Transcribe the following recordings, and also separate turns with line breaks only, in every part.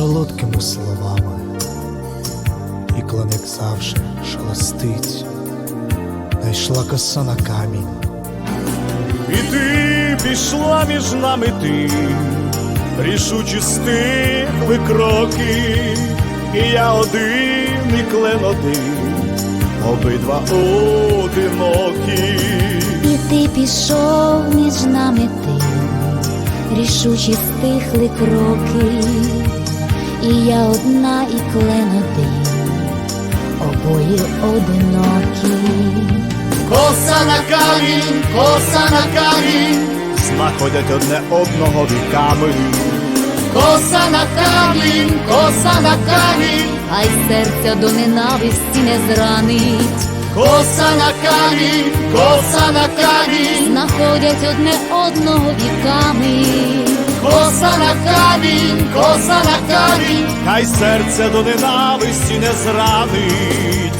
солодкими словами, і клен, як завжди, шелестить. Найшла коса на камінь.
І ти пішла між нами, ти рішучі стихли кроки, і я один, і клен один, обидва одинокі.
І ти пішов між нами, ти рішучі стихли кроки, і я одна, і клен один, обоє одинокі.
Коса на камінь, коса на камінь, знаходять одне одного віками. Коса на камінь, коса на камінь,
Хай серця до ненависті не зранить.
коса на камінь, коса на камінь,
Знаходять одне одного віками.
коса на камінь, коса на камінь, хай серце до ненависті не зранить.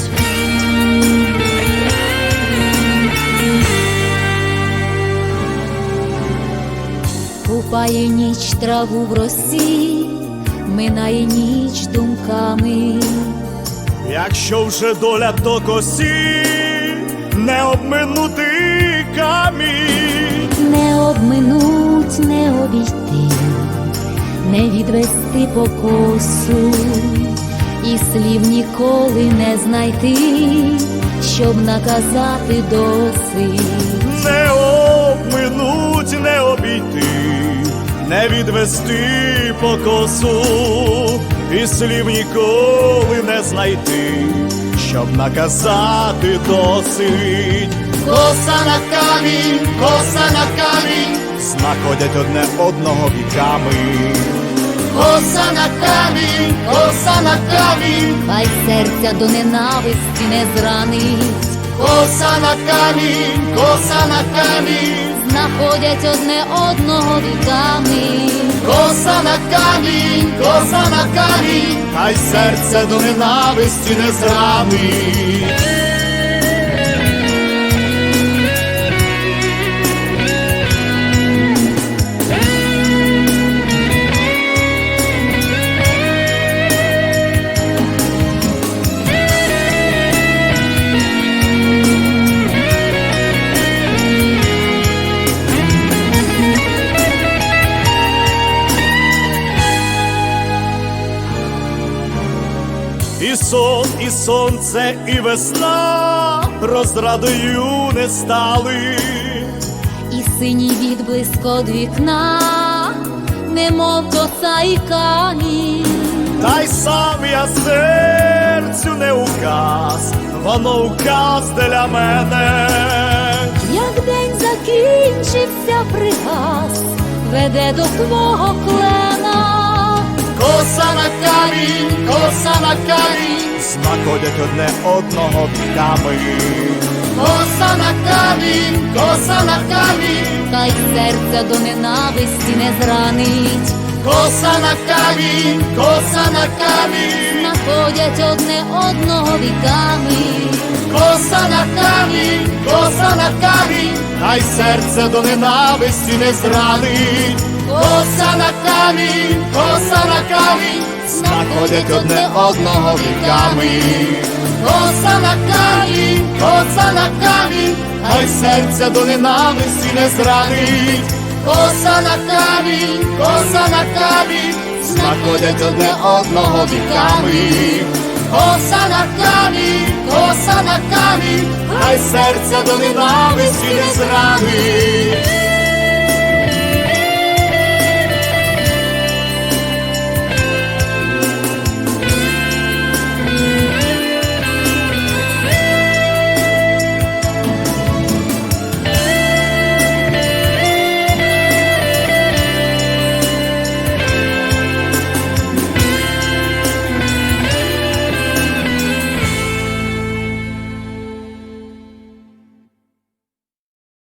Купає ніч траву в росі, минає ніч думками.
Якщо вже доля до косі, не обминути камінь.
Не обминуть, не обійти, не відвести по косу, і слів ніколи не знайти, щоб наказати досить.
Не обминуть, не обійти, не відвести по косу, і слів ніколи не знайти, щоб наказати досить. Коса на камінь, коса на камінь, знаходять одне одного віками. Коса на камінь, коса на камінь,
Хай серця до ненависті не зранить.
коса на камінь, коса на камінь,
Знаходять одне одного віками.
коса на камінь, коса на камінь, хай серце до ненависті не зранить. І сон, і сонце, і весна розрадою не стали.
І синій відблиск од вікна, немов коса і камінь.
Та й сам я серцю не указ, воно указ для мене.
Як день закінчився, пригас, веде до твого клена.
Коса на камінь, коса на камінь, знаходять одне одного віками. Коса на камінь, коса на камінь,
Хай серця до ненависті не зранить.
коса на камінь, коса на камінь,
Знаходять одне одного віками.
коса на камінь, коса на камінь, хай серце до ненависті не зранить. Коса на камінь, коса на камінь, знаходять одне одного віками. Коса на камінь, коса на камінь, хай серце до ненависті не зранить. Коса на камінь, коса на камінь, знаходять одне одного віками. Коса на камінь, коса на камінь, хай серце до ненависті не зранить.